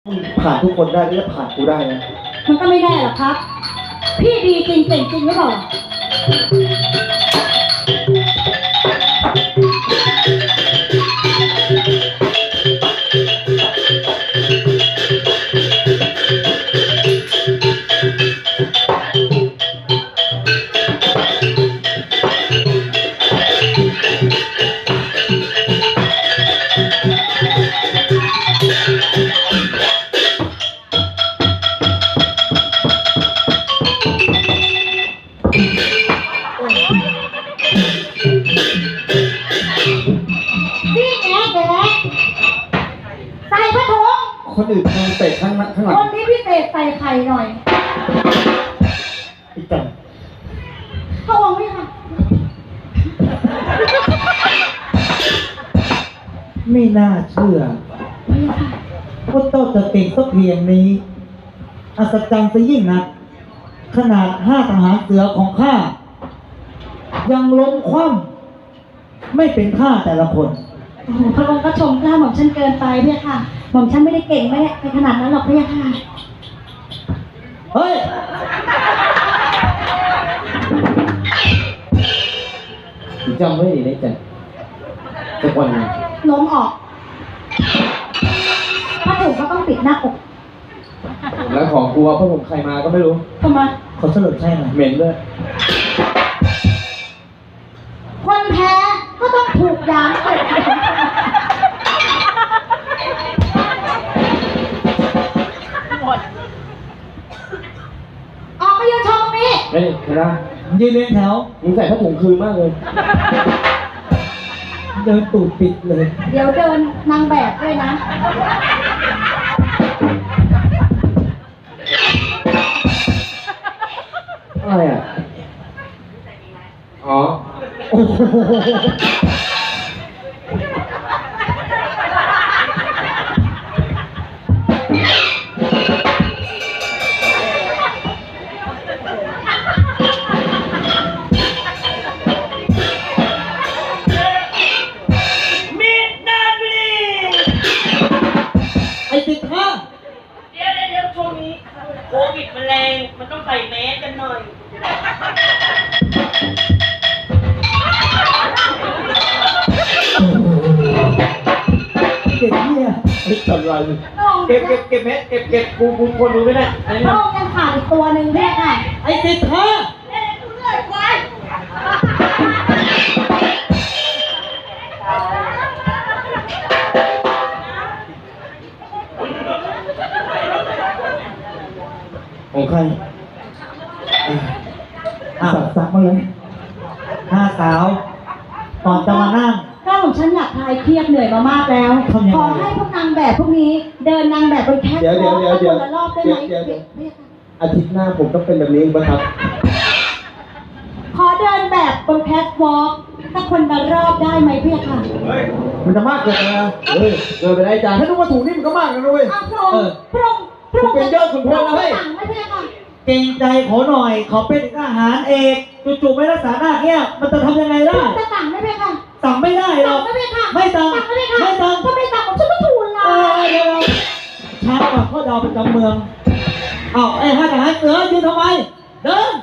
ผ่านทุกคนได้ก็จะผ่านกูได้นะมันก็ไม่ได้หรอกครับพี่ดีจริงเก่งจริงหรือเปล่าใส่ผ้าถุงคนอื่นทางเตะข้างหลังคนที่พิเศษใส่ไข่หน่อยอีกจังพระองค์ไม่ค่ะไม่น่าเชื่อว่าเจ้าจะเก่งสักเพียงนี้อัศจรรย์ซะยิ่งนักขนาด5 ทหารเสือของข้ายังล้มคว่ำไม่เป็นท่าแต่ละคนโอ้โหพระองค์ก็ชมกล้าหม่อมฉันเกินไปพี่ค่ะหม่อมฉันไม่ได้เก่งไม่ได้ไปขนาดนั้นหรอกพี่ค่ะเฮ้ยจำไว้ดีนะจ๊ะสักวันนึงล้มออกผ้าถุงก็ต้องปิดหน้าอกแล้วของกูว่าพระผมใครมาก็ไม่รู้ทำไมเขาสลดใช่ไหมเหม็นด้วยคนแพ้ก็ต้องถูกย้ำออกไปยืนชมตรงนี้ไม่ได้ยืนเรียงแถวมึงใส่ผ้าถุงคืนมากเลยเดินตูดปิดเลยเดี๋ยวเดินนางแบบด้วยนะอะไรอ่ะอ๋อโอ้โหไอ้15 เดี๋ยวช่วงนี้โควิดมันแรงมันต้องใส่แมสกันหน่อยเด็กเนี่ยไอ้จันไรเก็บแมสเก็บกูคนดูไม่ได้พระองค์ยังขาดอีกตัวหนึ่งด้วยค่ะไอ้15 กูเหนื่อยกว่าของใครสักมาเลย5 สาวก่อนจะมานั่งก็ของฉันอยากคลายเครียดเหนื่อยมามากแล้วขอให้พวกนางแบบพวกนี้เดินนางแบบบนแคทวอล์กคนละรอบได้ไหมอาทิตย์หน้าผมต้องเป็นแบบนี้บ้างครับขอเดินแบบบนแคทวอล์กถ้าคนละรอบได้ไหมพี่ค่ะมันจะมากเกินไปนะเกินไปได้จ้าถ้าดูว่าถูกนี่มันก็มากนะด้วยพระองค์เป็นยอดขุนพลเลยเก่งใจขอหน่อยขอเป็นทหารเอกจู่ๆไม่รักษาหน้าเนี่ยมันจะทำยังไงได้จะสั่งได้ไหมคะสั่งไม่ได้หรอกไม่สั่งไม่สั่งถ้าไม่สั่งผมจะไม่ทูลละเดี๋ยวช้ากว่าข้อดาวประจำเมืองไอ้5 ทหารเสือยืนทำไมเดิน